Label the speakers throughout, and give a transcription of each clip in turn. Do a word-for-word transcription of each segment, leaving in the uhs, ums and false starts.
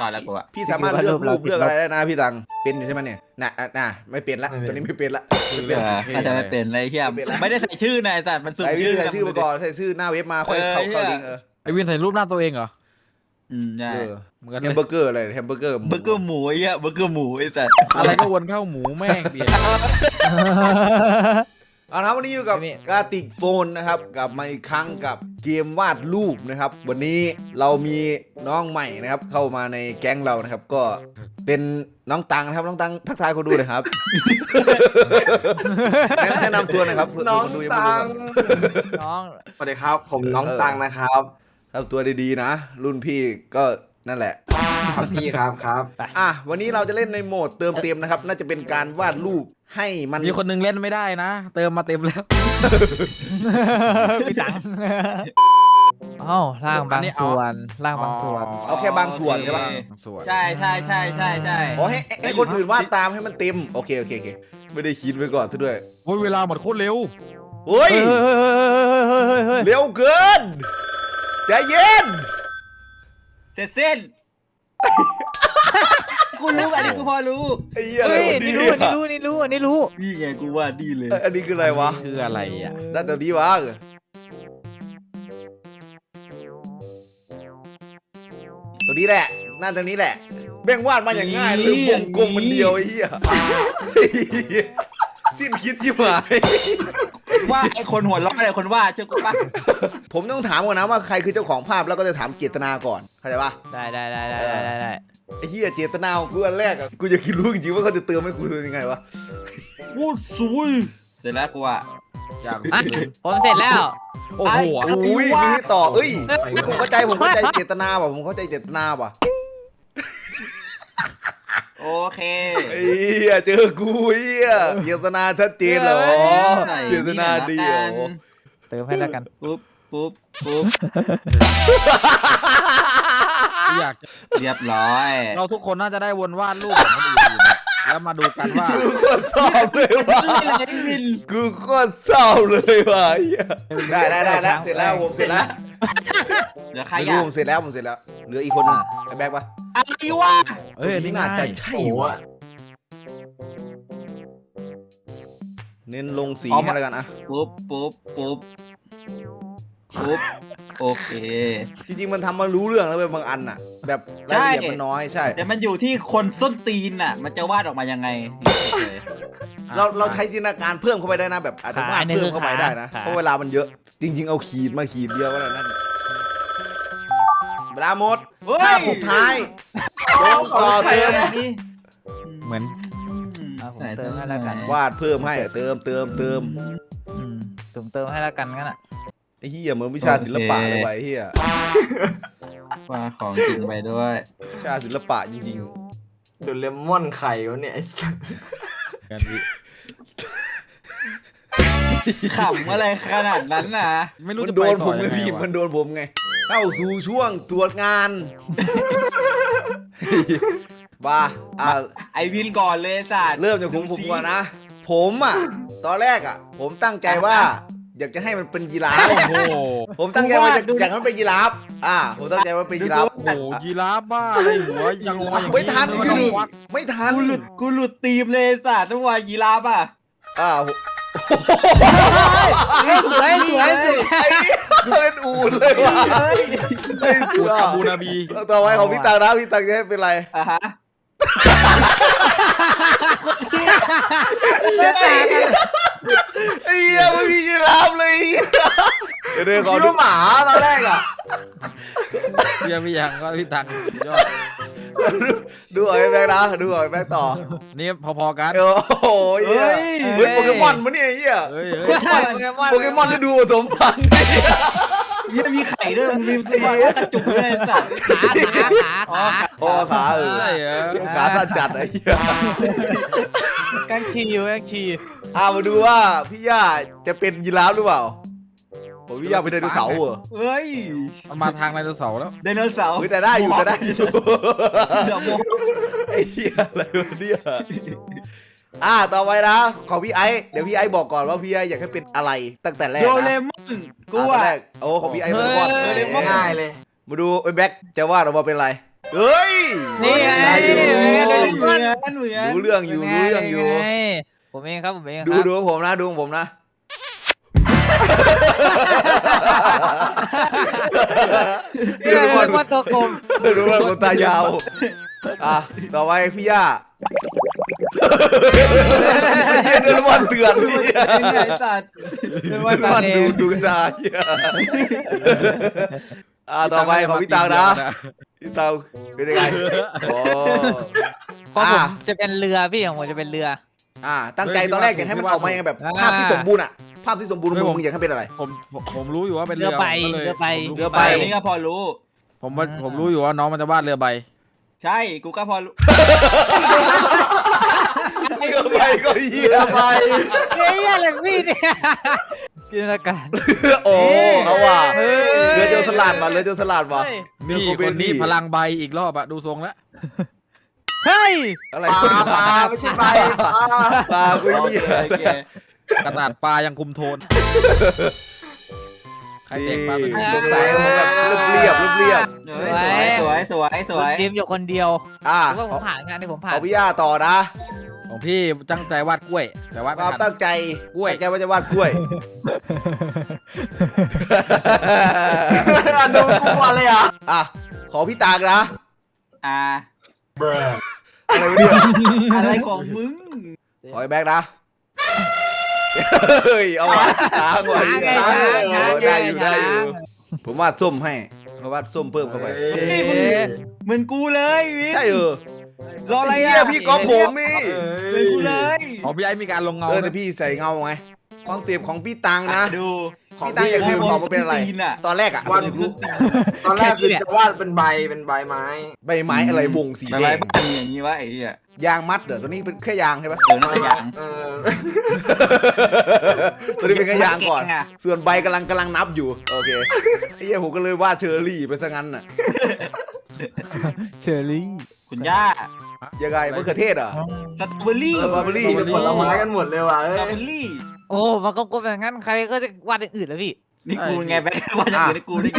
Speaker 1: ก่อนแล้วกูอะ
Speaker 2: พี่สามารถเลือกรูปเลือกอะไรได้นะพี่ตังเป็นอยู่ใช่ไหมเนี่ยน่ะน่ะไม่เป็นละตัวนี้ไม่เป็นละ
Speaker 1: อาจจะไม่เป็นอะไรเฮียไม่ได้ใส่ชื่อนายแต่มันสุ่ม
Speaker 2: ใส่
Speaker 1: ชื่อ
Speaker 2: ใส่ชื่อมาก่อนใส่ชื่อหน้าเว็บมาค่อยเข้าเข้าลิงก์เออ
Speaker 3: ไอวินใส่รูปหน้าตัวเองเหรอ
Speaker 1: อืมใช่
Speaker 3: เหมือนกัน
Speaker 2: แฮ
Speaker 3: เล
Speaker 2: ม
Speaker 3: ย
Speaker 2: เบอร์เกอร์อะไรแฮมเบอร์เกอร์
Speaker 1: เบอร์เกอร์หมูไอ้เหี้ยเบอร์เกอร์หมูไอ้สัส
Speaker 3: อะไรก็วนเข้าหมูแม่งเบียร์
Speaker 2: เอาละวันนี้อยู่กับกาติกโฟนนะครับกลับมาอีกครั้งกับเกมวาดรูปนะครับวันนี้เรามีน้องใหม่นะครับเข้ามาในแก๊งเรานะครับก็เป็นน้องตังนะครับน้องตังทักทายคนดูเลยครับ แนะนำตัวหนะครับเพื่อ
Speaker 4: น้อง
Speaker 2: คนดูยัง
Speaker 4: ตั
Speaker 2: ไม่รู้
Speaker 4: ง
Speaker 3: น้อง
Speaker 4: สวัสดีครับ ผมน้องตังนะครับ
Speaker 2: ทำตัวดีๆนะ รุ่นพี่ก็นั่นแหละ
Speaker 4: ครับพี่ครับครับ
Speaker 2: อ่ะวันนี้เราจะเล่นในโหมดเติมเต็มนะครับน่าจะเป็นการวาดรูปให้มัน
Speaker 3: มีคนนึงเล่นไม่ได้นะ เติมมาเต็มแล้วพี่ตังอ้าวล่างบางส่วนล่างบางส่วน
Speaker 2: เอาแค่บางส่วนใช่ปะ
Speaker 3: ส่วน
Speaker 1: ใช่ใช่ใช่ใช่ใช่
Speaker 2: อ๋อให้ให้คนอื่นวาดตามให้มันเต็มโอเคโอเคโอเคไม่ได้คิดไว้ก่อนซะด้วย
Speaker 3: โอ้ยเวลาหมดโคตรเร็ว
Speaker 2: เฮ้ย
Speaker 3: เฮ้ย
Speaker 2: เร็วเกินใจเย็น
Speaker 1: เสร็จสิ้นกูรู้อันนี้กูพอรู้
Speaker 2: ไอ้เหี้ยอะไร
Speaker 3: เฮ้ยว
Speaker 2: ะ
Speaker 3: นี่
Speaker 2: เนี่ย
Speaker 3: รู้นี่รู้นี่รู้นี่รู้
Speaker 1: นี่ไงกูว่าดีเลย
Speaker 2: เอ้ยอันนี้คืออะไรวะ
Speaker 3: คืออะไรอ่ะ
Speaker 2: ด้านตัวนี้วะตัวนี้แหละหน้าตัวนี้แหละแบ่งวาดมาอย่างง่ายเลยวงกลมมันเดียวไอ้เหี้ยสิ้นคิดที่หมาย
Speaker 1: ว่าไอ้คนหัวเราะอะไรคนว่าเชื่อกูปะ
Speaker 2: ผมต้องถามก่อนนะว่าใครคือเจ้าของภาพแล้วก็จะถามเจตนาก่อนเข้าใจปะ
Speaker 3: ได้ได้ได้ได้ได้ได้
Speaker 2: ไอ้เหี้ยเจตนาของกูอันแรกอะกูอยากรู้จริงๆว่าเขาจะเติมให้กูยังไงวะ
Speaker 1: โอ้สวยเสร็จแล้วกูอะ
Speaker 3: อยาก
Speaker 5: อ่ะผมเสร็จแล้ว
Speaker 3: โอ้โห
Speaker 2: อุ้ยมีให้ต่อเอ้ยอุ๊ยผมเข้าใจผมเข้าใจเจตนาว่ะผมเข้าใจเจตนาว่ะ
Speaker 1: โอเค
Speaker 2: ไอ้เหี้ยเจอกูเหี้ยเจตนาชัดเจนเหรอเจตนาดีเหรอ
Speaker 3: เติมให้แล้วกัน
Speaker 1: ปุ๊บปุ๊บปุ๊บ
Speaker 3: อยาก
Speaker 1: เรียบร้อย
Speaker 3: เราทุกคนน่าจะได้วนวาดรูปของคนอื่นๆแล้วมาดูกันว่า
Speaker 2: กูโคตรเศร้าเลยว่ะกูโคตรเศร้าเลยว่ะเหี้ยได้ได้ได้แล้วเสร็จแล้วผมเสร็จแล้ว
Speaker 1: เดี๋ยวใคร
Speaker 2: ไม่
Speaker 1: อ่ะ
Speaker 2: รู้ผมเสร็จแล้วผมเสร็จแล้วเหลืออีกคนนึงไอ้แบ็คปะ
Speaker 1: อะไรวะ
Speaker 3: เอ้ยอันนี้
Speaker 2: น่า
Speaker 3: ง่าย
Speaker 2: จะใช่ว่ะเน้นลงสีให้แล้วกันอะ
Speaker 1: ปุ๊บปุ๊บปุ๊บปุ๊บโอเค
Speaker 2: จริงๆมันทำมารู้เรื่องแล้วเว้ยบางอันน่ะ แบบรายละเอียดมันน้อยใช่
Speaker 1: แต่มันอยู่ที่คนส้นตีนน่ะ มันจะวาดออกมายังไง
Speaker 2: เราเราใช้จินตนาการเพิ่มเข้าไปได้นะแบบอาจจะวาดเพิ่มเข้าไปได้นะเพราะเวลามันเยอะ จริง ๆเอาขีดมาขีดเดียวก็ได้นั่นเวลาหมดภาพสุดท้ายลงต่อเติม
Speaker 3: เหมือน
Speaker 5: อ่ะผมเติมให้แล้วกัน
Speaker 2: วาดเพิ่มให้เติมเติมเติม
Speaker 5: อืมผมเติมให้แล้วกันงั้นอ่ะ
Speaker 2: ไอ้เหี้ยเหมือนวิชาศิลปะเลยว่ะไอ้เหี้ยว
Speaker 1: าดของจริงไปด้วย
Speaker 2: วิชาศิลปะจริง
Speaker 4: เดูเลมอนไข่วะเนี่ยไอ้สัส
Speaker 3: กันวิ
Speaker 1: ขำอะไรขนาดนั้นน่ะ
Speaker 3: ไม่
Speaker 2: ๆ
Speaker 3: รู้
Speaker 2: มัน
Speaker 3: จะ
Speaker 2: โด
Speaker 3: ไป
Speaker 2: น
Speaker 3: ต่
Speaker 2: ผ
Speaker 3: อ
Speaker 2: มไง
Speaker 3: ยังไง
Speaker 2: พี่
Speaker 3: วะ
Speaker 2: มันโดนผมไงเข้าสู่ช่วงตรวจงานบ้าอ่ะ
Speaker 1: ไอวินก่อนเลยสัตว์
Speaker 2: เริ่มจากผมผมก่อนนะ ผมอ่ะตอนแรกอ่ะ ผมตั้งใจว่า อยากจะให้มันเป็นยีราฟ
Speaker 3: โอ้โห
Speaker 2: ผมตั้งใจว่าจะอยากให้มันเป็นยีราฟอ่า ผมตั้งใจว่าเป็นยีราฟ
Speaker 3: โอ้โหยีราฟบ้าอะไรหัวยังงออย่าง
Speaker 2: ไม่ทัน
Speaker 3: ไม่
Speaker 2: พี่
Speaker 3: ต้องวัด
Speaker 2: ไม่ทัน
Speaker 1: กูหลุดกูหลุดตีมเลยสัตว์ต้องว่ายีราฟอ่ะ
Speaker 2: อ่า
Speaker 5: เฮ้ยสวยสวยสวย
Speaker 2: ไอ้เป็นอูดเลยว่ะไอ้
Speaker 3: อู
Speaker 2: อู
Speaker 3: ด
Speaker 2: ด
Speaker 3: อาบูนาบี
Speaker 2: ต่อไปของพี่ตังนะพี่ตังจะให้เป็นไร
Speaker 1: อ่ะฮะ
Speaker 2: ไอ้เหี้ยไม่มียีราฟเลยเดี๋ยวเดี๋ยวขอ
Speaker 4: คิด
Speaker 2: ดู
Speaker 4: ว่าหมาตอนแรกอ่ะ
Speaker 3: เบียร์พี่ยังก็พี่ตังยอด
Speaker 2: ดูหน่อยแบงค์นะดูหน่อยแบงค์ต่อ
Speaker 3: นี่พอๆกัน
Speaker 2: โอ้โหเหี้ยเฮ้ยโปเกมอนมันเนี่ยไอ้เหี้ย
Speaker 3: เฮ้ยเฮ้ย
Speaker 2: โปเกมอนที่ดูสมพันธ์
Speaker 1: ยังมีไข่ด้วยมึงลืมตัวว่ากระจุกเลยสัตว์
Speaker 5: ขาขาขาขา
Speaker 2: โอ้ขาเออ
Speaker 3: ใช่เหรอ
Speaker 2: ขาสั้นจัดไอ้เหี้ย
Speaker 5: กังชีอยู่กังชี
Speaker 2: อ่ามาดูว่าพี่ย่าจะเป็นยีราฟหรือเปล่าผมพี่ย่าเป็นไดโนเสาร์เหรอ
Speaker 1: เฮ้ย
Speaker 3: มันมาทางไดโนเสาร์แล้ว
Speaker 1: ไดโนเสาร์
Speaker 2: เฮ้ยแต่ได้อยู่แต่ได้อยู่
Speaker 1: เดี๋ยวโม
Speaker 2: ไอ้เหี้ยอะไรวะเนี่ยอ่าต่อไปนะของพี่ไอ้เดี๋ยวพี่ไอ้บอกก่อนว่าพี่ไอ้อยากให้เป็นอะไรตั้งแต่แรก
Speaker 1: โด
Speaker 2: นะ
Speaker 1: เรมอนกู
Speaker 2: อ่ะตอน
Speaker 1: อ่ะ
Speaker 2: แรกโอ้ของพี่ไอ้เป็นบอล
Speaker 1: เฮ้ย
Speaker 4: ง่ายเลย
Speaker 2: มาดูไอ้แบ็คจะวาดออกมาเป็นอะไรเฮ้ย
Speaker 5: นี่ไง
Speaker 2: ได้อยู่
Speaker 5: เหมือน
Speaker 1: เหมือนเหมือน
Speaker 2: รู้เรื่องอยู่รู้เรื่องอยู่
Speaker 5: ไงผมเองครับผมเองครับ
Speaker 2: ดูดูของผมนะดูของผมนะ
Speaker 5: เรียกว่าตัวกลม
Speaker 2: ดูว่าคนตายาวอ่ะต่อไปพี่ย่าเยี่ยนเดินวันเตือนนี่
Speaker 1: ไอ้สัตว์
Speaker 5: เป็น
Speaker 2: วั
Speaker 5: ว่าน ตา
Speaker 2: วัน
Speaker 5: เอ
Speaker 2: ดู
Speaker 5: ง
Speaker 2: ดูตาเหี้ยอ่ะต่อไปของพี่ตังนะพี่ตังเป็นยังไงโอ้
Speaker 5: เพราะผม
Speaker 2: อ่ะ
Speaker 5: จะเป็นเรือพี่ของผมจะเป็นเรือ
Speaker 2: อ่าตั้งใจตอนแรกอยากให้มันออกมายังไงแบบ
Speaker 5: อ่า
Speaker 2: ภาพที่สมบูรณ์อ่ะภาพที่สมบูรณ์ของมึงอยากให้เป็นอะไร
Speaker 6: ผมผมผมรู้อยู่ว่าเป็น
Speaker 5: เรือใบ
Speaker 6: ผมก็ลย
Speaker 5: เรือใบ
Speaker 6: ผม
Speaker 2: เรือใบ
Speaker 1: อันนี้ก็พอรู้
Speaker 6: ผมว่าผมรู้อยู่ว่าน้องมันจะวาดเรือใบ
Speaker 1: ใช่กูก็พอรู้
Speaker 2: เรือใบก็เหี้ยใบ
Speaker 5: เฮ้ยอะไรพี่เนี่ยจินตนาการ
Speaker 2: โอ้เอาว่ะ
Speaker 5: เฮ้ย
Speaker 2: เรือโจรสลัดว่ะเรือโจรสลัดว่ะ
Speaker 5: เฮ้ย
Speaker 6: นี่
Speaker 2: เรือโก
Speaker 6: ค
Speaker 2: เบ
Speaker 6: น
Speaker 2: น
Speaker 6: นี้
Speaker 2: นี่
Speaker 6: พลังใบอีกรอบอะดูทรงแล้ว
Speaker 5: เฮ้ย
Speaker 2: อะไร
Speaker 4: ปลาปลาไม่ใช่ใบปลา
Speaker 2: ปลาคุย
Speaker 1: โอ
Speaker 2: เหี้
Speaker 1: เค
Speaker 2: ย
Speaker 1: โอเค
Speaker 6: กระดาษปลายังคุมโทนใคร
Speaker 2: นี่
Speaker 6: เด็กปลาเป็น
Speaker 2: สดใสของแบบเรียบเรียบเรียบ
Speaker 1: เฮ้ยสวยสวยสวยสวย
Speaker 5: เตรียมอยู่คนเดียว
Speaker 2: อ่ะ
Speaker 5: หรือว่าผมผ่านงานที่ผมผ่าน
Speaker 2: เอาพี่ย่าต่อนะ
Speaker 6: ของพี่ตั้งใจวาดกล้วย แต่วาด
Speaker 2: ค
Speaker 6: ไม่
Speaker 2: วาม
Speaker 6: ทัน
Speaker 2: ตั้งใจ
Speaker 6: กล้วย
Speaker 2: ตั้งใจว่าจะวาดกล้วย
Speaker 4: โดนกูก่อนเลยเหรอ่ะ
Speaker 2: อ่ะขอพี่ตากนะ
Speaker 1: อ่า
Speaker 2: อะไรวะเนี่ย
Speaker 1: อะไรของมึง
Speaker 2: ขอไอ้แบ็กนะเฮ้ยเอาวะช้างว่ะ
Speaker 5: ช้างไง
Speaker 2: เหี้ย
Speaker 5: ช้าง
Speaker 2: โอ้
Speaker 5: ช้าง
Speaker 2: ได้อยู่
Speaker 5: ช้าง
Speaker 2: ได้อยู่ผมวาดส้มให้ผมวาดส้มเพิ่มเข้าไป
Speaker 1: นี่มึงเหมือนกูเลยวิน
Speaker 2: ใช่เออ
Speaker 1: รออะไร
Speaker 2: เหี้
Speaker 1: อ่ะ
Speaker 2: ยพี่ก๊อฟผมนี่
Speaker 1: เหมือนกูเลย
Speaker 6: ของพี่ไอ้มีการลงเงา
Speaker 2: เออ
Speaker 6: ไหม
Speaker 2: แต่พี่ใส่เงาไงคอนเซปต์ของพี่ตังนะ
Speaker 1: ดู
Speaker 4: ของ
Speaker 2: พี่ตังอยากให้ผมบอกว่าเป็นอะไร
Speaker 1: ตีนอะ
Speaker 2: ตอนแรกอะ
Speaker 4: วัน
Speaker 2: ผมอยากรู้
Speaker 4: ตอนแรกคือจะวาดเป็นใบเป็นใบไม้
Speaker 2: ใบไม้อะไรวงสี
Speaker 1: อะ
Speaker 2: แด
Speaker 1: ไรง บ้านอย่างนี้วะไอ้เหี้ย
Speaker 2: ยางมัดเดี๋ยวตัวนี้เป็นแค่ยางใช่ปะ
Speaker 1: เออน่าจะยัง
Speaker 4: เออ
Speaker 2: ตัวนี้เป็นแค่ยางก่อน
Speaker 1: เก่งอะ
Speaker 2: ส่วนใบกำลังกำลังนับอยู่โอเคไอ้เหี้ยผมก็เลยวาดเชอร์รี่ไปซะงั้นน่ะ
Speaker 5: เชอรี่
Speaker 1: คุณย่า
Speaker 2: ยังไงมะเขือเทศเหรอ
Speaker 1: สตรอเบอรี่
Speaker 2: สตรอเบอรี่
Speaker 4: เป็นผลไม้กันหมดเลยว่ะ
Speaker 1: ส
Speaker 4: เอ้
Speaker 1: ตรอย เบอรี่
Speaker 5: โอ้มันก็กลมอย่างนั้นใครก็จะวาดอย่างอื่นแล้วพี่
Speaker 1: นี่กูไงแบงค์ว่าจะเกิดให้กูได้ไง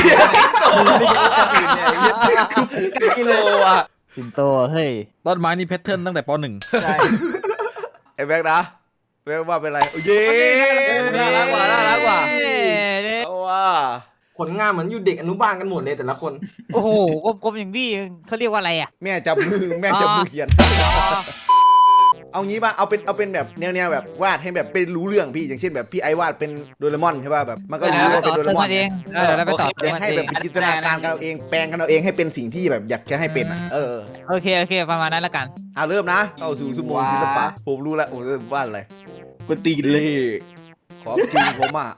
Speaker 2: กิโลอ่ะ
Speaker 5: สิงโตเฮ้ย
Speaker 6: ต้นไม้นี่แพทเทิร์นตั้งแต่ปหนึ่ง
Speaker 1: ใช่
Speaker 2: ไอ้แบ็กนะแบ็กว่าเป็นไรโอ้ยเย้น่ารักว่ะน่ารักว่ะ
Speaker 5: เอ้ย
Speaker 2: เอาว่ะ
Speaker 4: ผลงานเหมือนอยู่เด็กอนุบาลกันหมดเลยแต่ละคน
Speaker 5: โอ้โหกลมๆอย่างพี่เขาเรียกว่าอะไรอ่ะ
Speaker 2: แม่จับมือแม่จับมือเขียน เอางี้ป่ะเอาเป็นเอาเป็นแบบแนวๆแบบวาดให้แบบเป็นรู้เรื่องพี่อย่างเช่นแบบพี่ไอวาดเป็นโดเรมอนใช่ป่ะแบบมันก็รู้ว่าเป็นโดเรมอน
Speaker 5: เองเออแล้วไปต่อ
Speaker 2: อยากให้แบบจินตนาการกันเอาเองแปลงกันเอาเองให้เป็นสิ่งที่แบบอยากจะให้เป็นอ่ะเออ
Speaker 5: โอเคโอเคประมาณนั้นละกัน
Speaker 2: อ่ะเริ่มนะเข้าสู่สมองศิลปะผมรู้แล้วผมเริ่มวาดอะไร
Speaker 1: กูตีเลย
Speaker 2: นี่ของจริงผมอ่ะ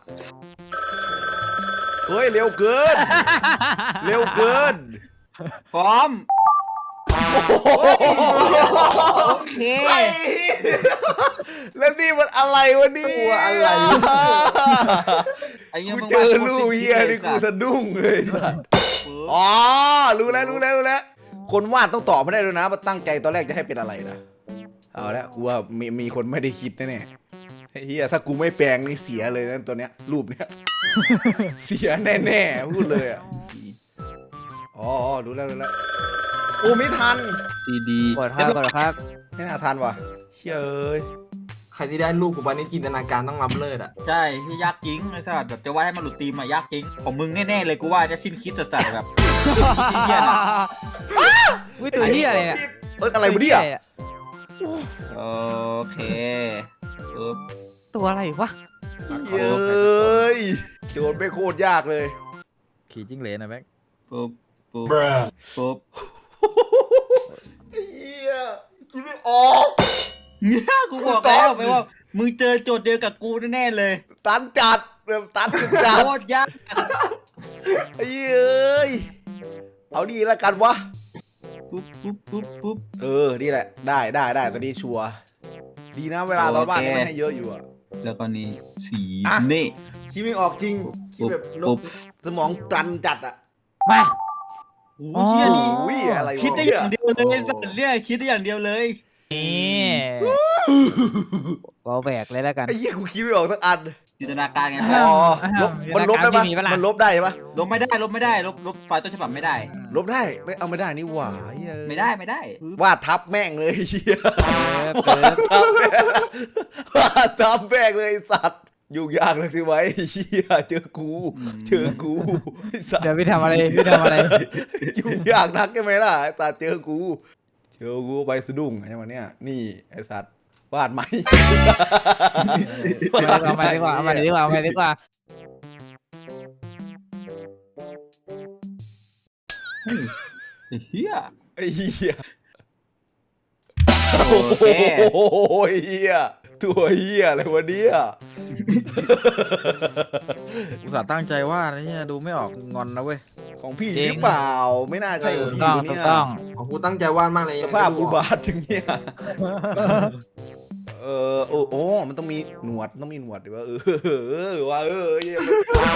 Speaker 2: เฮ้ยเร็วเกิน เร็วเกิน
Speaker 1: พร้อมโอเค
Speaker 2: ไอ้แล้วนี่มันอะไรวะนี่
Speaker 4: ตัวอะไร
Speaker 1: ไอ้เหี้ย
Speaker 2: กู
Speaker 1: มึง
Speaker 2: เจอลูกเฮียนี่กูสะดุ้งเลยสัสอ๋อรู้แล้วรู้แล้วรู้แล้วคนวาดต้องตอบไม่ได้ด้วยนะว่าตั้งใจตอนแรกจะให้เป็นอะไรนะเอาละกูว่ามีมีคนไม่ได้คิดแน่ๆไอ้เฮียถ้ากูไม่แปลงนี่เสียเลยนะตัวเนี้ยรูปเนี้ย เสียแน่ๆพูดเลยอ่ะอ๋ออ๋อรู้แล้วรู้แล้วโอ้ไม่ทัน
Speaker 1: ดีดี
Speaker 5: กดครับกดครับ
Speaker 2: ไม่น่าทันว่ะเชื่ยเอ้ย
Speaker 4: ใครที่ได้ลูกกูวันนี้จินตนาการต้องรับเลิศอ่ะ
Speaker 1: ใช่ที่ยากจริงไอ้สัสแบบจะว่าให้มันหลุดตีมอะยากจริงของมึงแน่ๆเลยกูว่าจะสิ้นคิดสัสๆแบบเหี้ยนะ
Speaker 5: อุ้ยตัวเหี้ยอะไรเนี่ย
Speaker 2: เอ้ยอะไรวะเนี่ย
Speaker 1: โอเคปึ๊บ
Speaker 5: ตัวอะไรวะ
Speaker 2: เย้ยโจทย์ไม่โคตรยากเลย
Speaker 6: ขี่จิ้งเหลนนะแบ็ค
Speaker 1: ปึ๊บปึ๊บปึ๊บ
Speaker 2: เฮียคิดไม่ออก
Speaker 1: เนี่ยกูบอกแล้วไปว่ามึงเจอโจทย์เดียวกับกูแน่ๆเลย
Speaker 2: ตันจัดแบบตันจัด
Speaker 1: โคตรยาก
Speaker 2: ไอ้เอ้ยเอาดีแล้วกันวะ
Speaker 1: ปุ๊บปุ๊บปุ๊บปุ๊บ
Speaker 2: เออนี่แหละได้ได้ได้ตัวนี้ชัวร์ดีนะเวลาตอนบ้านนี่มันให้เยอะอยู่อะ
Speaker 1: แล้วก็นี่สี
Speaker 2: อ่ะ
Speaker 1: นี่
Speaker 2: คิดไม่ออกจริงคิดแบบน
Speaker 1: ปุ๊
Speaker 2: ก
Speaker 1: บ
Speaker 2: สมองตันจัดอะ
Speaker 5: มา
Speaker 1: โอ้เชี่ยนี่
Speaker 2: อุ้ยอะไรวะ
Speaker 1: คิดได้อย่างเดียวเลยสัตว์เนี่ยคิดได้อย่างเดียวเลย
Speaker 5: นี่เราแบกเลยแล้วกัน
Speaker 2: ไอ้เหี้ยกูคิดไม่ออกสักอัน
Speaker 1: จินตนาการไง
Speaker 2: อ๋อลบมันลบได้ปะ
Speaker 3: จินตนาการพี่มีปะล่ะ
Speaker 2: มันลบได้ปะ
Speaker 1: ลบไม่ได้ลบไม่ได้ลบลบไฟล์ต้นฉบับไม่ได้
Speaker 2: ลบได้ไม่เอาไม่ได้นี่หว่าเหี้ย
Speaker 1: ไม่ได้ไม่ได้
Speaker 2: วาดทับแม่งเลยเหี้ย
Speaker 3: เปิด
Speaker 2: ทับแม่งวาดทับแม่งเลยไอ้สัตว์ยุ่งยากเลยสิไว้เหี้ยเจอกูเจอกูไอ้สัตว์
Speaker 3: เดี๋ยวพี่ทำอะไรพี่ทำอะไร
Speaker 2: ยุ่งยากนักใช่ไหมล่ะไอ้สัตว์เจอกูเจอกูไปสะดุ้งใช่ไหมเนี่ยนี่ไอ้สัตว์วาดไหม
Speaker 3: เอามาดีกว่าเอามาดีกว่าเอามาดีกว่า
Speaker 1: ไอ้เฮีย
Speaker 2: ไอ้เหี้ย
Speaker 1: โอเค
Speaker 2: โอ้ยเหี้ยตัวเหี้ยอะไรวะเนี่ย
Speaker 6: อุตส่าห์ตั้งใจว่าดนะเนี่ยดูไม่ออกงอนนะเว้ย
Speaker 2: ของพี่หรือเปล่าไม่น่าใช่ของ
Speaker 3: ถูก
Speaker 2: พี่
Speaker 3: ต้อง
Speaker 2: เนี่
Speaker 3: ถูก
Speaker 2: ย
Speaker 3: ต้อง
Speaker 4: ของกูตั้งใจวาดมากเลย
Speaker 2: สภาพอุบาทอย่างเงี้ยเออโอ้โอ้มันต้องมีหนวดต้องมีหนวดดิว่าเออเออว่าเออเหี้ย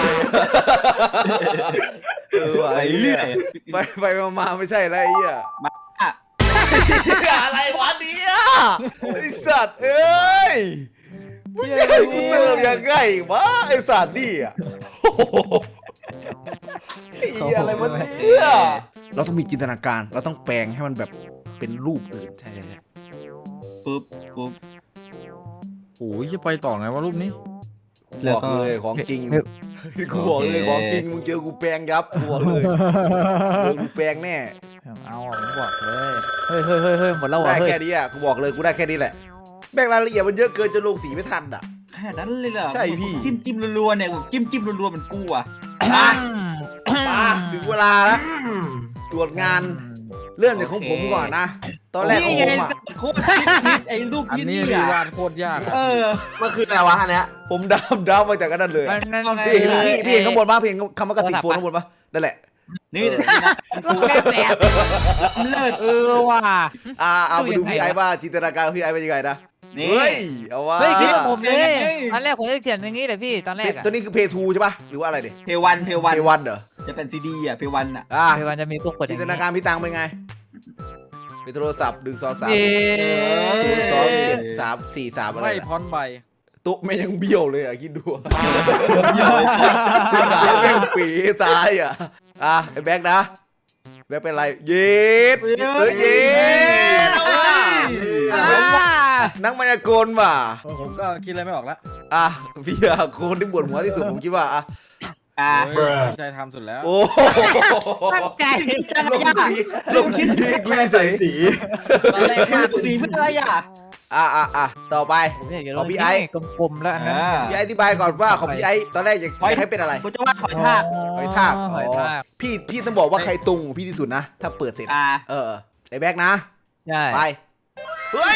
Speaker 2: เออว่า
Speaker 1: ไป
Speaker 2: ไอ้
Speaker 1: เรื่
Speaker 2: เหี้
Speaker 1: อย ย
Speaker 2: ไปไปมาๆไม่ใช่แล้วไอ้เหี้ย
Speaker 1: อ่ะ
Speaker 2: อะไรวะเนี่ยไอ้สัตว์เอ้ยมึงจะให้กูเติมยังไงวะไอ้สัตว์นี่อ่ะโอ้โหไอ้เหี้ยอะไรวะเนี่ยเราต้องมีจินตนาการเราต้องแปลงให้มันแบบเป็นรูปอื่นใช่ใช่ใช่
Speaker 1: ปุ๊บปุ๊บ
Speaker 6: โอ้ยจะไปต่อไงวะรูปนี้
Speaker 2: บอกเลยของจริงกูบอกเลยของจริงมึงเจอกูแปลงยับกูบอกเลยเจอกูแปลงแน่
Speaker 3: เอาอ่ะผมบอกเลยเฮ้ยเฮ้ยเฮ้ยเฮ้ยหมดแล้วเหรอ
Speaker 2: ได้
Speaker 3: เฮ้ย
Speaker 2: แค่นี้อ่ะกูบอกเลยกูได้แค่นี้แหละแบ่งรายละเอียดมันเยอะเกินจนลงสีไม่ทันอ่ะ
Speaker 1: ขนาดนั้นเลยเหรอ
Speaker 2: ใช่พี่
Speaker 1: จิ้มจิ้มรัวๆเนี่ยจิ้มจิ้มรัวๆมันกูอ่ะ
Speaker 2: มามาถึงเวลาแล้วตรวจงานเริ่มจากของผมก่อนนะตอนแรกของ
Speaker 1: นี่
Speaker 2: ผ
Speaker 1: ไง
Speaker 2: มอ่ะ
Speaker 1: โคตรคิดไอ้รูป
Speaker 6: อัน
Speaker 1: พี่
Speaker 6: นี้
Speaker 1: นี่
Speaker 6: ดี
Speaker 1: อ่ะ
Speaker 6: วาดโคตรยากอะ
Speaker 1: เออ
Speaker 4: มันคืออะไรวะอันเนี้ย
Speaker 2: ผมดาวดาวมาจากกันนั่นเลย
Speaker 3: มันนั่น
Speaker 1: เอาไง
Speaker 2: พี่เห็นพี่พี่เห็นข้างบนป่ะพี่เห็นคำว่ากระติกโฟนข้างบนป่ะนั่นแหละ
Speaker 1: นี่นะ
Speaker 3: ก็แค่แปลก
Speaker 1: เลิศ
Speaker 3: เออว่ะ
Speaker 2: อ่าเอามาดู
Speaker 3: ดูยังไง
Speaker 2: พี่ไอ้บ้าจินตนาการของพี่ไอ้เป็นยังไงนะ
Speaker 1: นี่
Speaker 2: เฮ้ยเอาว่า
Speaker 3: เฮ้ยคิดกับผมเลย
Speaker 1: เฮ้ย
Speaker 3: ตอนแรกผมจะเขียนอย่างนี้เลยพี่ตอนแรกอะ
Speaker 2: ตัวนี้คือเพย์ทูใช่ป่ะหรือว่าอะไรดิ
Speaker 1: เพวันเพวัน
Speaker 2: เพย์วันเหรอ
Speaker 1: จะเป็นซีดีอ่ะเพวันอ่ะ
Speaker 2: อ่า
Speaker 3: ในวันจะมีพวกกดอ
Speaker 2: จิ
Speaker 3: ย่าน ง
Speaker 2: ตนาการพี่ตังเป็นไงเป็นโทรศัพท์หนึ่งสองสาม
Speaker 3: เย้
Speaker 2: ศูนย์สองเจ็ดสามสี่สามอะไร
Speaker 6: ไม่
Speaker 2: นะ
Speaker 6: พอนใบ
Speaker 2: ตุ๊ไม่ยังเบี้ยวเลยอ่ะคิดดูอะขาแม่งปีตายอ่ะอ่ะไอ้แบ็คนะแบ็คเป็นไรเย็ดเฮ้ยเย็ดเอาว่ะ
Speaker 3: อ่า
Speaker 2: นักมายากลว่ะ
Speaker 6: ผมก็คิดอะไรไม่ออกละ
Speaker 2: อ่ะพี่อะคนที่ปวดหัวที่สุดผมคิดว่าอ่ะ
Speaker 1: อ่ะ
Speaker 6: เฮ้ยตั้งใจทำสุดแล้ว
Speaker 2: โอ้โห
Speaker 3: ตั้งใจ
Speaker 2: ลงสีลงสีกุยใส่สี
Speaker 3: ตอนแรกมาก
Speaker 1: สีเพื่ออะไรอ่ะ
Speaker 2: อ่ะอ่ะอ่ะต่อไป
Speaker 3: ผมอยากจะล
Speaker 2: เอา
Speaker 3: ง
Speaker 2: พี่
Speaker 3: ที่
Speaker 2: ไอ้
Speaker 3: กลมๆแล้วอันนั้น
Speaker 1: อ่า
Speaker 2: พี่ไอ้อธิบายก่อนว่าของพี่ไอ้ตอนแรกอยากอยากให้เป็นอะไร
Speaker 1: กูจะวาดหอยทาก
Speaker 2: หอยทาก
Speaker 3: หอยทาก
Speaker 2: พี่พี่ต้องบอกว่าใครตรงพี่ที่สุดนะ ถ้าเปิดเสร็จ
Speaker 1: อ่ะ
Speaker 2: เออไอ้แบ็คนะ
Speaker 3: ใช่
Speaker 2: ไปเฮ้ย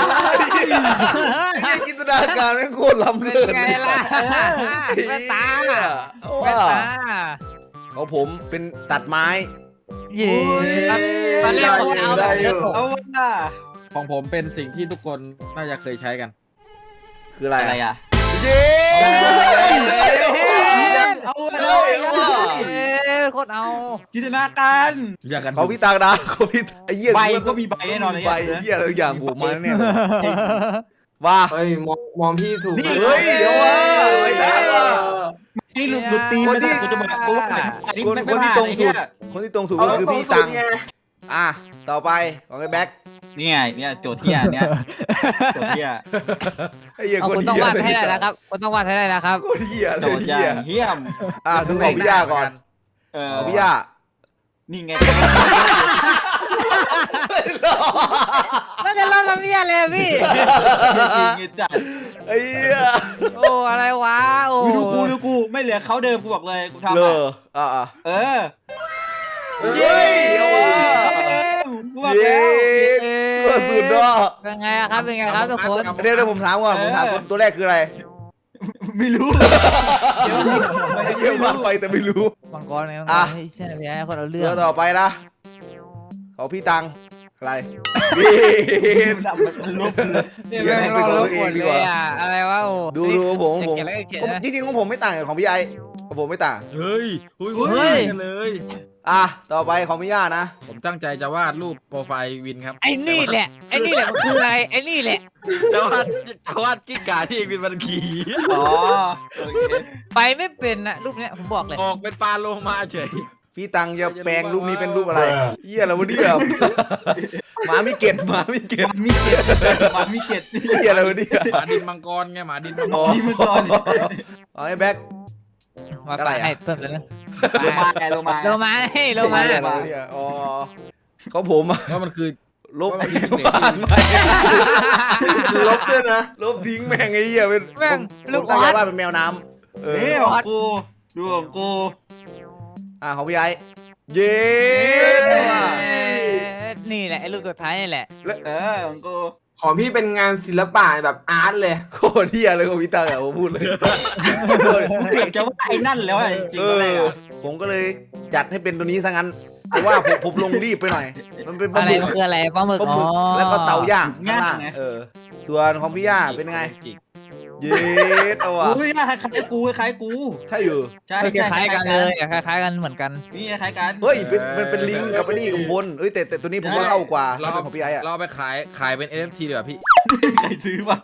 Speaker 2: ไอ้จินตนาการแม่งโคตรล้ำ
Speaker 3: เป็น
Speaker 2: เลิศ
Speaker 3: ไงล่ะแว่นตา
Speaker 2: ว่า
Speaker 3: แว่นตา
Speaker 2: ของผมเป็นตัดไม้
Speaker 3: เย้ตอนแรกผมจะเอาแบบนี้ผม
Speaker 1: เอาว่ะ
Speaker 6: ของผมเป็นสิ่งที่ทุกคนน่าจะเคยใช้กัน
Speaker 2: คืออะไร
Speaker 1: อะไรอ่ะ
Speaker 2: เย้
Speaker 1: เอาว่ะ
Speaker 2: เอาว่ะ
Speaker 3: เย้โคตรเอา
Speaker 1: จินตนาการ
Speaker 6: อยากกัน
Speaker 2: ของพี่ตังนะของพี่ไอ้เหี้ย
Speaker 1: ใบก็มีใบแน่นอน
Speaker 2: มี
Speaker 1: เลย
Speaker 2: ใบ
Speaker 1: อ่ะ
Speaker 2: เหี้ยอะไรอย่างบวกมาแน่เลยว่า
Speaker 4: เฮ้ยมองมองพี่ถูก
Speaker 1: นี่
Speaker 2: เฮ้ยเดี๋ยวว่าไอ้ตังอ่ะ
Speaker 1: นี่หลุดหลุดตีน
Speaker 2: คนที่
Speaker 1: กูจะบอกกูว่าอันนี้
Speaker 2: คน
Speaker 1: ไม่
Speaker 2: คนที่
Speaker 1: ผ่า
Speaker 2: ตรงสุด
Speaker 1: ไอ้เหี้ย
Speaker 2: คนที่ตรงสุดก็คือพี่ตังอ่ะต่อไปของไอ้แบ็ค
Speaker 1: นี่ไงเนี่ยโจทย์เที่ยเนี่ยโจทย์เที่ย
Speaker 2: ไอ้เหี้ย
Speaker 3: เอา
Speaker 2: คน
Speaker 3: คุณต้อง
Speaker 2: เหี้ยว
Speaker 3: าดให้ได้นะครับคุณต้องวาดให้ได้นะครับ
Speaker 2: คนเหี้ยเล
Speaker 1: โจ
Speaker 2: ย
Speaker 1: ทย์อ
Speaker 2: เหี้ย
Speaker 1: ย่างเหี้ยม
Speaker 2: อ่ะดูของพี่ย่าก่อน
Speaker 1: เออ
Speaker 2: ของพี่ย่า
Speaker 1: นี่ไง
Speaker 3: แล้วจะเล่าลำเนียเลยพี่
Speaker 1: จริงจัด
Speaker 2: ไอ้เหี้ย
Speaker 3: โอ้อะไรวะโอ้
Speaker 1: ดูกูดูกูไม่เหลือเขาเดิมกูบอกเลยกูทำ
Speaker 2: เล
Speaker 1: อ่ะ
Speaker 2: ออ่ะอ่ะ
Speaker 1: เออ
Speaker 2: เฮ้ยเอาว่ะ
Speaker 1: กูบอก
Speaker 2: เย้
Speaker 1: แล้ว
Speaker 2: ก็สุดเนาะ
Speaker 3: เป็นไงครับเป็นไงครับทุกคน
Speaker 2: เดี๋ยวเดี๋ยวผมถามก่อนผมถามคนตัวแรกคืออะไร
Speaker 1: ไม่รู้
Speaker 2: ไอ้เยี่ยมมากไปแต่ไม่รู้
Speaker 3: มังกรไงมังก
Speaker 2: อ่ะ
Speaker 3: รให้ใช่ไหมพี่ให้คนเอาเรื่อ
Speaker 2: ตัว
Speaker 3: ง
Speaker 2: ต่อไปนะของพี่ตังอะไรบี
Speaker 1: มันลบเลย
Speaker 3: เนี่ยแม่งเราลบหมดเลยอ่ะอะไรวะโอ้
Speaker 2: ดูดูผมผม
Speaker 3: เขียนแล้วก็เขียนนะ
Speaker 2: จริงๆของผมไม่ต่างกับของพี่ไอของผมไม่ต่าง
Speaker 6: เฮ้ยเฮ้ย
Speaker 3: เฮ้ย
Speaker 6: กันเลย
Speaker 2: อ่ะต่อไปของพี่ย่านะ
Speaker 6: ผมตั้งใจจะวาดรูปโปรไฟล์วินครับ
Speaker 3: ไอ้นี่แหละไอ้นี่แหละมันคืออะไรไอ้นี่แหละ
Speaker 6: จะวาดจะวาดกิ้งก่าที่วินมันขี่
Speaker 1: อ๋อโอเค
Speaker 3: ไปไม่เป็นนะรูปเนี้ยผมบอกเลย
Speaker 6: ออกเป็นปลาโลมาเฉย
Speaker 2: พี่ตังจะแปลงรูปนี้เป็นรูปอะไรเหี้ยอะไรวะเนี่ยหมามีเกล็ดหมามีเกล็ด
Speaker 1: มันมีเจ็ดมันมีเจ็ด
Speaker 2: เหี้ยอะไรวะเนี่ย
Speaker 6: หมาดินมังกรไงหมาดินมังก
Speaker 2: อ๋อ
Speaker 6: ร
Speaker 1: นี่มันตอน
Speaker 2: เอาไอ้แบ็ค
Speaker 3: มา
Speaker 2: อะไร
Speaker 3: ไป
Speaker 2: อะ
Speaker 3: ให้เพิ่มเลยนะ
Speaker 1: โลมาไงโลมา
Speaker 3: โลมาให้โลมา
Speaker 2: เหี้ยอะไรวะเนี่ยอ๋อเขาผมอะ
Speaker 6: ว่ามันคือ
Speaker 2: ลบ
Speaker 6: ว่ามันคือ
Speaker 2: บ้านใหม่
Speaker 4: ลบด้วยนะ
Speaker 2: ลบทิ้งแม่งไอ้เหี้ยเป็น
Speaker 3: แม่ง
Speaker 2: ผ
Speaker 3: ลู
Speaker 2: ม
Speaker 3: ก
Speaker 2: ตั้ง
Speaker 3: อ
Speaker 2: ใจ
Speaker 3: อส
Speaker 2: ว่าเป็นแมวน้ำเออ
Speaker 1: นี่ของกูดูของกู
Speaker 2: อ่ะของพี่ไอ้เย้
Speaker 3: เอ้
Speaker 2: ว่ะ
Speaker 3: ยนี่แหละไอ้รูปสุดท้ายนี่แหละ
Speaker 1: เออของกู
Speaker 4: ของพี่เป็นงานศิลปะแบบอาร์ตเลย
Speaker 2: โคตรเหี้ยเลยของพี่ตังอะผมพูดเลย
Speaker 1: เกือบจะว่าไอ้นั่นแล้วอะจริง
Speaker 2: เอ
Speaker 1: ๆอะไร
Speaker 2: อ
Speaker 1: อ่ะ
Speaker 2: ผมก็เลยจัดให้เป็นตัวนี้ซะงั้นเพราะว่าผมผมลงรีบไปหน่อย มันเป็นปลา
Speaker 3: อะไร
Speaker 2: หมึก
Speaker 3: มันคืออะไรปลาหมึก
Speaker 2: ปลา
Speaker 3: อ๋
Speaker 2: ห
Speaker 3: อ
Speaker 2: มึกแล้วก็เตาย่างข้างล่างเออ ส่วนของพี่ย่าเป็นไง เย็ดเอาว่ะ
Speaker 1: อุ้ยคล้ายๆกูคล้ายๆกู
Speaker 2: ใช่อยู่
Speaker 1: ใช่
Speaker 3: ค
Speaker 1: ใช่
Speaker 3: ล้ายๆกันเลยคล้ายๆกันเหมือนกัน
Speaker 1: นี่คล้ายๆกัน
Speaker 2: เฮ้ยเป็นเป็นเป็นลิงกับไอ้นี่กับพลเอ้ยแต่แต่ตัวนี้ผมว่าเข้ากว่า
Speaker 6: เรา
Speaker 2: ถ้าเป็นของพี่ไอ้อะ
Speaker 6: เราไปขายขายเป็น เอ เอฟ ที ดีกว่าพี่
Speaker 1: ใครซื้อวะ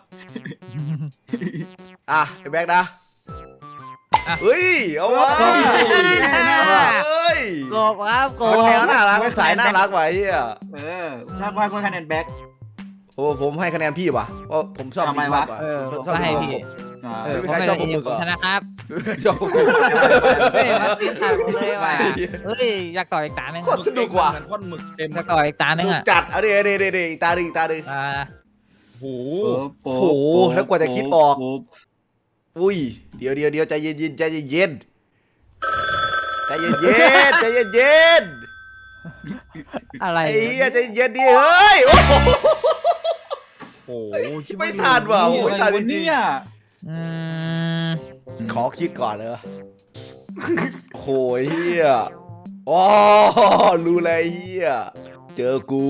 Speaker 2: อ่ะไอ้แบ็กนะ
Speaker 3: อ่ะ
Speaker 2: เฮ้ยเอาว่ะเฮ้ย
Speaker 3: โกบครับโก
Speaker 2: มัน
Speaker 3: บ
Speaker 2: แมวน่ารักมันสายน่ารักว่ะไอ้เหี้ย
Speaker 1: เออถ้าว่าก็คะแนนแบ็ค
Speaker 2: โอ้ผมให้คะแนนพี่ว่ะเพราะผมชอบ
Speaker 1: ทำไม
Speaker 2: ลิง
Speaker 1: วะ
Speaker 2: มากกว่า
Speaker 3: เออผม
Speaker 2: ชอบ
Speaker 3: ก็ให้
Speaker 2: ลิง
Speaker 3: พี่
Speaker 2: มากกว่า
Speaker 1: อ่า
Speaker 3: เออ
Speaker 2: ไม่
Speaker 3: ผม
Speaker 2: มีใคร
Speaker 3: ไม่
Speaker 2: ชอบ
Speaker 3: ได้
Speaker 2: ปลาหมึกเหรอ
Speaker 3: ผมชนะครับ
Speaker 2: ชอบผม
Speaker 3: เฮ้ยมาตีขาดผมเลยว่ะเฮ้ยอยากต่ออีกตาหนึง
Speaker 2: โคตรสนุกว่ะ
Speaker 6: เหมือนพ่นหมึกเต็ม
Speaker 3: อยากต่ออีกตาหนึง
Speaker 2: ลูก
Speaker 3: อ่ะ
Speaker 2: จัดเอาดิเอาดิเอาดิอีกตาดิอีกตาดิ
Speaker 3: อ่า
Speaker 6: โอ้โห
Speaker 1: โอ้
Speaker 2: โหแล้วกว่าจะคิดออก อุ้ยเดี๋ยวเดี๋ยวเดี๋ยวใจเย็นเย็นใจเย็นเย็นใจเย็นเย็นใจเย็นเย็น
Speaker 3: อะไร
Speaker 2: ไอ้เหี้ยใจเย็นดิเฮ้ยโอ้โห
Speaker 6: โอ้โหคิด
Speaker 2: ไม่ทันว่ะ
Speaker 1: โอ้
Speaker 2: ไม่ทันจริง
Speaker 1: เนี่ย
Speaker 3: อืม
Speaker 2: ๆขอคิดก่อนเลยโหยเฮียอ๋อรู้เลยเฮียเจอกู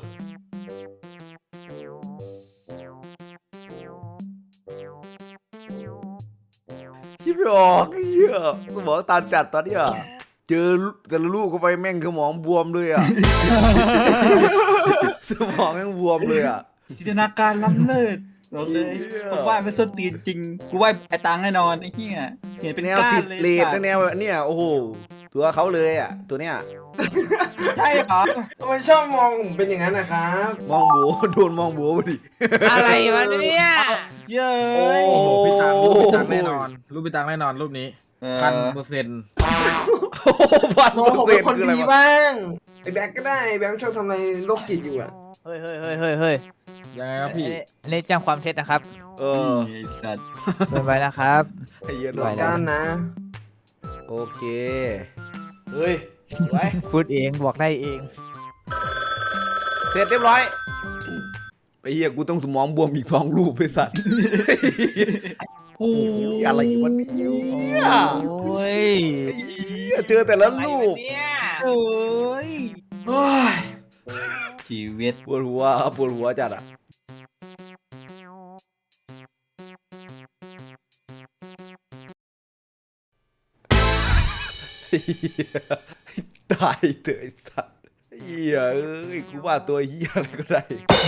Speaker 2: คิดไม่ออกเฮียสมองตันจัดตอนเนี้ยเจอแต่ละลูกเข้าไปแม่งสมองบวมเลยอ่ะ สมองแม่งบวมเลยอ่ะ
Speaker 1: จินตนาการล้ำเลิศบอกเลย
Speaker 2: เหี้ย
Speaker 1: ผมว่าเป็นส้นตีนจริง กูว่าไอ้ตังแน่นอนไอ้เหี้ยเห็นเป็น
Speaker 2: แนว
Speaker 1: ก้า
Speaker 2: ติ
Speaker 1: น
Speaker 2: ด
Speaker 1: เลย
Speaker 2: เลด
Speaker 1: สัตว์
Speaker 2: แนวเนี่ยโอ้โหตัวเขาเลยอ่ะตัวเนี้ย
Speaker 1: ใช่เหรอ
Speaker 4: ทำไมชอบมองผมเป็นอย่างนั้นนะครับ
Speaker 2: มองโบโดนมองโบพอดี
Speaker 3: อะไรวะเนี่ย
Speaker 1: เย้
Speaker 2: โอ้
Speaker 1: ย
Speaker 6: โอ้โหพี่ตังรูปพี่ตังแน่นอนรูปพี่ตังแน่นอนรูปนี้
Speaker 1: เอ
Speaker 6: พัน
Speaker 1: อ
Speaker 6: เปอร์เซ็นต์
Speaker 2: โอ้โหพัน
Speaker 4: มองผม
Speaker 2: เปอ
Speaker 4: เป็
Speaker 2: ร์
Speaker 4: น
Speaker 2: เซ็น
Speaker 4: คน
Speaker 2: ต์คืออะไร
Speaker 4: ดี
Speaker 2: วะ
Speaker 4: บ้างไอ้แบ็กก็ได้ไอ้แบ็กชอบทำอะไรโรคจิตอยู่อะ
Speaker 3: เฮ้ยเฮ้ยเฮ้ยเฮ้ยเฮ้ย
Speaker 6: ยังไงครับพี่
Speaker 3: อันนี้แจ้งความเท็จนะครับ
Speaker 2: เออ
Speaker 1: ไอ้สัตว์
Speaker 3: เกินไปนะครับ
Speaker 2: ไอ้เหี้ย
Speaker 3: ไหวแล้ว
Speaker 4: ด้านนะ
Speaker 2: โอเคเฮ้ยไว้
Speaker 3: พูดเองบอกได้เอง
Speaker 2: เสร็จเรียบร้อยไอ้เหี้ยกูต้องสมองบวมอีกสองรูปไปสัตว์โอ้ยอะไรวะเนี่ย
Speaker 3: โอ้ย
Speaker 2: ไอ้เหี้ยเจอแต่ละรูป
Speaker 1: เอ้ย
Speaker 4: โอ้ย
Speaker 1: ชีวิต
Speaker 2: ปวดหัวปวดหัวจัดอ่ะไอ้เหี้ยตายเถอะไอ้สัตว์ไอ้เหี้ยเอ้ยกูว่าตัวเหี้ยอะไรก็ได้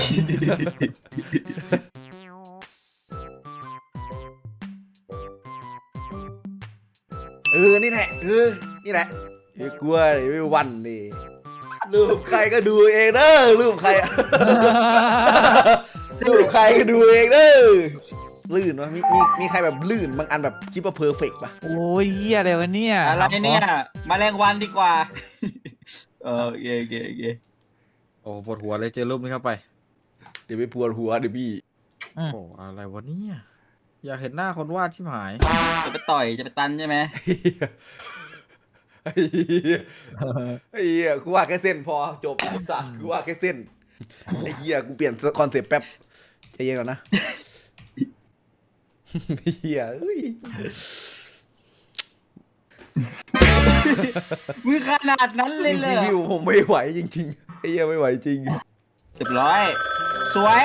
Speaker 2: เออ นี่แหละ เออ นี่แหละไอ้กลัวไอ้ไม่วันนี่รูปใครก็ดูเองเด้อรูปใครอะ รูปใครก็ดูเองเด้อลื่นวะมีมีมีใครแบบลื่นบางอันแบบคิดว่าเพอร์เฟกต์ป่ะ
Speaker 3: โอ้ยเหี้ยอะไรวะเนี่ย
Speaker 1: อะไรเนี่ยแมลงวันดีกว่า เออโอเคโอเคโอเค
Speaker 6: โอ้ปวดหัวเลยเจอรูปนี้เข้าไป
Speaker 2: เดี๋ยวไปปวดหัวเดี๋ยวพี่
Speaker 3: อืม
Speaker 6: โอ้อะไรวะเนี่ยอยากเห็นหน้าคนวาดที่หาย
Speaker 1: จะไปต่อยจะไปตันใช่ไหม
Speaker 2: ไอ้เหี้ยไอ้เหี้ยกูว่าแค่เส้นพอจบไอ้สัตว์กูว่าแค่เส้นไอ้เหี้ยกูเปลี่ยนคอนเซ็ปต์แป๊บใจเย็นก่อนนะไอ้เหี้ยเอ้ย
Speaker 1: มือขนาดนั้นเลย
Speaker 2: จ
Speaker 1: เหร
Speaker 2: ริง
Speaker 1: อ
Speaker 2: ๆพี่ผมไม่ไหวจริงๆไอ้เหี้ยไม่ไหวจริง
Speaker 1: เรียบร้อย สวย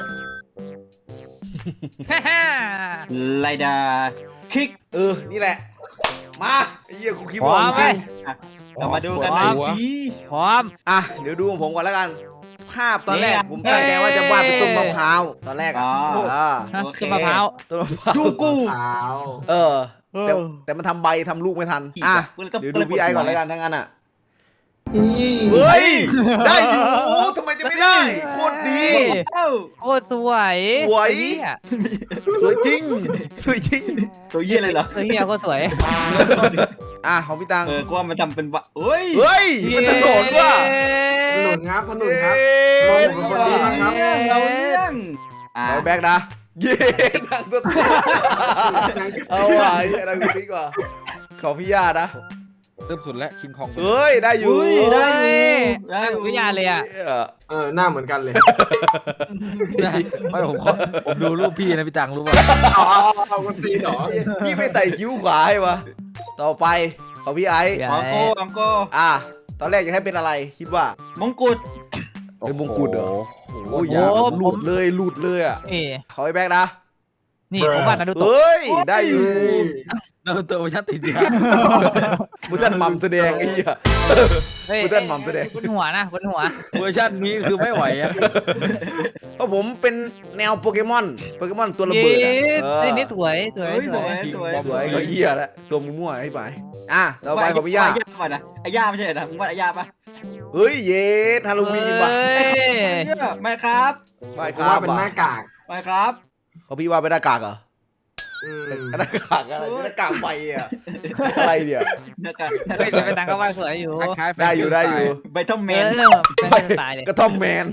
Speaker 3: ฮ่าฮ่า
Speaker 1: ไลดาคิก
Speaker 2: เออนี่แหละมาไอ้เหี้ยกูคิด
Speaker 3: พร้
Speaker 2: ว่า
Speaker 3: อมไหม
Speaker 2: จริง
Speaker 1: อ่ะเรามาดูกันหน่อยสิ
Speaker 3: พร้อม
Speaker 2: อ่ะเดี๋ยวดูของผมก่อนแล้วกัน ภาพตอนแรก
Speaker 1: เนี่ย
Speaker 2: ผมตั้งใจว่าจะวาดเป็นต้นมะพร้าวตอนแรกอ่ะ
Speaker 1: อ๋อ
Speaker 2: อ่า
Speaker 3: ฮะ
Speaker 1: โอเค
Speaker 3: ต้นมะพร้าว
Speaker 2: ต้นมะพร้าว
Speaker 1: ดูกู
Speaker 4: ขาว
Speaker 2: เออแต่แต่มันทำใบทำลูกไม่ทันอ่ะเดี๋ยวดูพี่ไอก่อนแล้วกันทั้งนั้นอ่ะเฮ้ยได้อยู่ทำไมจะไม่ได้โคตรดี
Speaker 1: เอ้า
Speaker 3: โคตรสวย
Speaker 2: สวย
Speaker 3: เหี้ย
Speaker 2: สวยจริงสวยจริง
Speaker 1: ตัวเยี่ยเลยเหรอ
Speaker 3: เฮียโคตรสวย
Speaker 2: อ่ะของพี่ตัง
Speaker 1: เออกูว่ามันทำเป็นวะเฮ้ย
Speaker 2: เฮ้ยมันถนนว่ะ
Speaker 4: ถนนครับถนนครับ
Speaker 2: เย้
Speaker 4: มองผมเป็นคนดีนะครับ
Speaker 1: เราเรื่องอ่ะ
Speaker 2: เอาแบ็กนะเย้นังตัวติ๊กเอาว่ะไอ้นังตัวติ๊กว่ะของพี่ย่านะ
Speaker 6: เริ่มสุดแล้วคิงคอง
Speaker 2: เฮ้ยได้อยู่
Speaker 1: อุ้ยได้อยู่
Speaker 3: เฮ้ย
Speaker 1: ได้อยู่
Speaker 3: วิทยาเลยอ่ะ
Speaker 2: เหี้ย
Speaker 4: เออหน้าเหมือนกันเลย
Speaker 6: ไม่ผมขอผมดูรูปพี่นะพี่ตังรู้ป่ะ
Speaker 4: เอาเอาเอาเอาคนตีนเหรอ
Speaker 2: พี่ไม่ใส่คิ้วขวาให้วะต่อไปของพี่ไอซ์
Speaker 3: พี่
Speaker 1: อองโก้อองโก้
Speaker 2: อ่ะตอนแรกจะให้เป็นอะไรคิดว่าม
Speaker 1: งกุฎ
Speaker 2: เป็นมงกุฎเหรอ
Speaker 6: โอ้
Speaker 2: โอ้ย
Speaker 6: โห
Speaker 2: อยาหลุดเลยหลุดเลยอ่ะ
Speaker 3: นี่
Speaker 2: ขอไอ้แบ็กนะ
Speaker 3: นี่ผมว่านารูโตะ
Speaker 2: เฮ้ยได้อยู่
Speaker 6: นารูโตะเวอร์ชันติดเดีย
Speaker 2: มุทันมัมแสดงไอ้เหี้ย
Speaker 3: เฮ้ย
Speaker 2: มุทันมัมแสดง
Speaker 3: บนหัวนะบนหัว
Speaker 6: เวอร์ชันนี้คือไม่ไหวอะ
Speaker 2: เพราะผมเป็นแนวโปเกมอนโปเกมอนตัวระเบิดอะเออ
Speaker 3: เฮ้ยนี่สวยสวย
Speaker 1: เฮ้ย
Speaker 3: ส
Speaker 1: ส
Speaker 3: ว
Speaker 1: วย ยสวย
Speaker 2: สวยก็เหี้ยแล้วตัวมั่วๆให้ไปอ่ะต่อไปของพี่ย่า
Speaker 1: ย่าป่ะนะไอ้ย่าไม่ใช่เหรอมึงว่าไอ้ย่าป่ะ
Speaker 2: เฮ้ยเยสฮาโลวีนว่ะ
Speaker 3: เฮ้ย
Speaker 1: เนี่ยไม่ครับ
Speaker 2: ไม่ค
Speaker 4: ผม
Speaker 2: รับ
Speaker 4: ว่าเป็นหน้ากาก
Speaker 1: ไม่ครับ
Speaker 2: เขาพี่ว่าเป็นหน้ากากเหรอ
Speaker 4: อืม
Speaker 2: หน้ากากอะไรหน้ากากไฟอ่ะอะไรเนี่ย
Speaker 1: นะครับ
Speaker 3: เฮ้ยเป็นตังก็ว่าสวยอยู่
Speaker 6: คล้ายๆแฟน
Speaker 2: ได้อยู่ได้อยู่
Speaker 1: ใบทอมแม
Speaker 3: เอน อเป็นสไตล์เลย
Speaker 2: กระท่อมแมน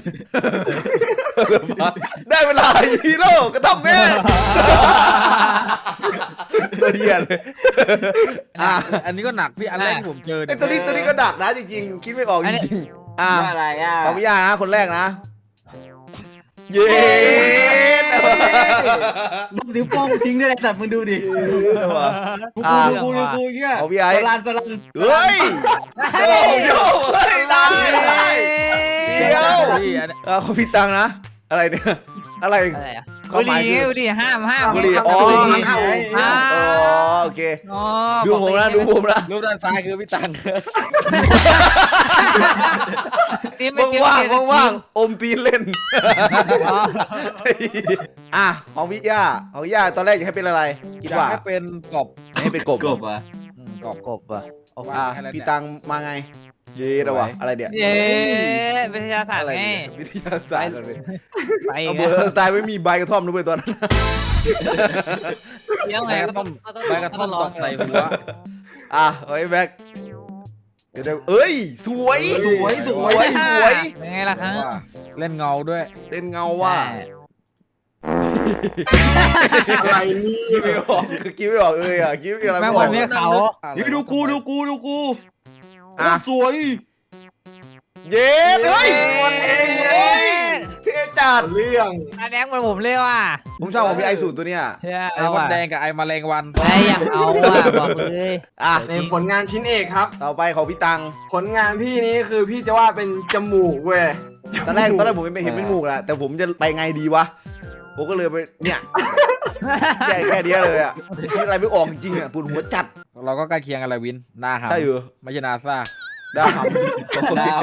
Speaker 2: ได้เวลาฮีโร่กระท่อมแมนตัวเดียเลยอ่ะ
Speaker 6: อันนี้ก็หนักพี่อันแรกที่ผมเจอ
Speaker 2: ไอ้
Speaker 6: เนี่ย
Speaker 2: ตัวนี้ตัวนี้ก็ดักนะจริงๆคิดไม่ออกจริงๆอ่ะ
Speaker 1: ว่าอะไรอ่ะ
Speaker 2: ของพี่ย่านะคนแรกนะ เย้
Speaker 1: ลูกนิ้วโป้งทิ้งได้เลยแต่มึงดูดิ
Speaker 2: เย้ว่ะ
Speaker 1: กู
Speaker 2: อ่ะ
Speaker 1: ดูกูดูกูเงี้ย
Speaker 2: ของพี่ไอ้
Speaker 1: สลันสลัน
Speaker 2: เฮ้ยโอ้โหเฮ้ยได้ได้ เดี๋ยว
Speaker 6: พี่อัน
Speaker 2: เออของพี่ตังนะ อะไรเนี่ย อะไร
Speaker 3: อะไรอ่ะ
Speaker 2: ควา
Speaker 3: บุ
Speaker 2: มหมาย
Speaker 3: หรี่
Speaker 2: คือ
Speaker 3: บุหรี่ห้ามห้าม
Speaker 2: บุหรี่อ๋อห้าม
Speaker 3: ห้าม
Speaker 2: อ๋อโอเค
Speaker 3: อ๋อ
Speaker 2: ดูผมนะดูผมนะ
Speaker 6: รูปด้านซ้ายคือพี่ตัง
Speaker 3: นี่ไม่
Speaker 2: ว่าง
Speaker 3: เกี่ยว
Speaker 2: ว่างว่างว่างๆอมตีนเล่น
Speaker 3: อ๋อ
Speaker 2: อ่ะของพี่ย่าของพี่ย่าตอนแรกอยากให้เป็นอะไร คิด
Speaker 6: อยาก
Speaker 2: ว่า
Speaker 6: ให้เป็นกบ
Speaker 2: ให้เป็นกบ
Speaker 1: กบอ่ะ
Speaker 6: อืมกบ
Speaker 3: กบอ่ะ
Speaker 6: เอา
Speaker 2: อ่ะ
Speaker 6: ให้แล้ว
Speaker 2: พี่
Speaker 6: เนี่ย
Speaker 2: ตังมาไง เย้ระวะอะไรเนี่ย
Speaker 3: เย้วิทยาศาสต
Speaker 2: อะ
Speaker 3: ร์
Speaker 2: ไร
Speaker 3: ไง
Speaker 2: เนี่ยวิทยาศาสตร์เลย
Speaker 3: ไป
Speaker 2: เอา
Speaker 3: ไง
Speaker 2: เบอร์ตายไม่มีใบกระท่อมด้วยตอนนั้น
Speaker 3: เลี้ยง
Speaker 6: ใบ
Speaker 3: ไง
Speaker 6: กระท่อมใบกระท่อมตอกใส่หัว
Speaker 2: อ่ะเอาไอ้แบ็คเดี๋ยวเดี๋ยวเอ้ย สวย
Speaker 1: สวยส
Speaker 2: ส
Speaker 1: ว
Speaker 2: วย ยสวย
Speaker 3: เป็นไงล่ะครับ
Speaker 6: ว่าเล่นเงาด้วย
Speaker 2: เล่นเงาว่า
Speaker 4: อะไรนี่
Speaker 2: คิดไม่ออกคิดไม่ออกเลยอ่ะคิดอะไร
Speaker 3: แม่
Speaker 2: ไม่
Speaker 3: ง
Speaker 2: อ
Speaker 3: วั
Speaker 2: อน ก
Speaker 3: เนี้เขา
Speaker 1: นี่ดูกูดูกูดูกู
Speaker 2: อ่ะ
Speaker 1: สวย
Speaker 2: เย้เฮ้ยวันเองเฮ้ยเท่จัด
Speaker 4: เรื่อง
Speaker 3: อันแดงเหมือนผมเลยว่ะ
Speaker 2: ผมชอบของพี่ไอสูตรตัวเนี้ย
Speaker 3: เฮ้ย
Speaker 6: ไอ้
Speaker 3: เอา
Speaker 6: มด
Speaker 3: ว่ะ
Speaker 6: แดงกับไอ้แมลงวัน
Speaker 3: ไอ้อย่างเอาว่ะบอกเลย
Speaker 2: อ่ะ
Speaker 4: ในผลงานชิ้นเอกครับ
Speaker 2: ต่อไปของพี่ตัง
Speaker 4: ผลงานพี่นี้คือพี่จะว่าเป็นจมูกเว้ย
Speaker 2: ตอนแรกตอนแรกผมไม่เห็นเป็นงูกแหละแต่ผมจะไปไงดีวะผมก็เลยไปเนี่ยแค่แค่เนี้ยเลยอ่ะคิดอะไรไม่ออกจริงๆอ่ะปวดหัวจัด
Speaker 6: เราก็ใกล้เคียงกันแหละวินหน้าหำ
Speaker 2: ใช่เหรอ
Speaker 6: ไม่ใช่นาซา
Speaker 2: ได้ครับ
Speaker 1: ดาว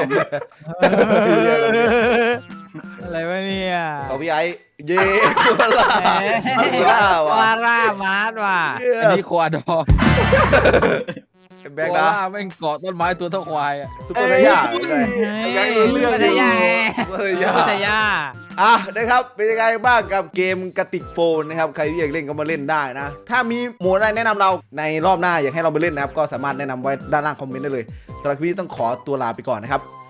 Speaker 3: อะไรวะเนี่ย
Speaker 2: ของพี่ไอเย่ตัวละ ว้าวว่ะ
Speaker 3: วาร่ามาร์ทว่ะ
Speaker 6: อันนี้โคอาดอร์
Speaker 2: แบ็ค
Speaker 6: โค
Speaker 2: นะ
Speaker 6: อาแม่งเกาะต้นไม้ตัวเท่าควายอะ
Speaker 2: ซุปเปอร์ไซย่าเลย
Speaker 3: เฮ้ยพัทยาไง
Speaker 2: ซุปเปอร์ไซย่า
Speaker 3: พัทยา
Speaker 2: อ่ะนะครับเป็นยังไงบ้างกับเกมกระติกโฟนนะครับใครที่อยากเล่นก็มาเล่นได้นะ ถ้ามีโหมดอะไรแนะนำเราในรอบหน้าอยากให้เราไปเล่นนะครับก็สามารถแนะนำไว้ด้านล่างคอมเมนต์ได้เลยสำหรับคลิปนี้ต้องขอตัวลาไปก่อนนะครับ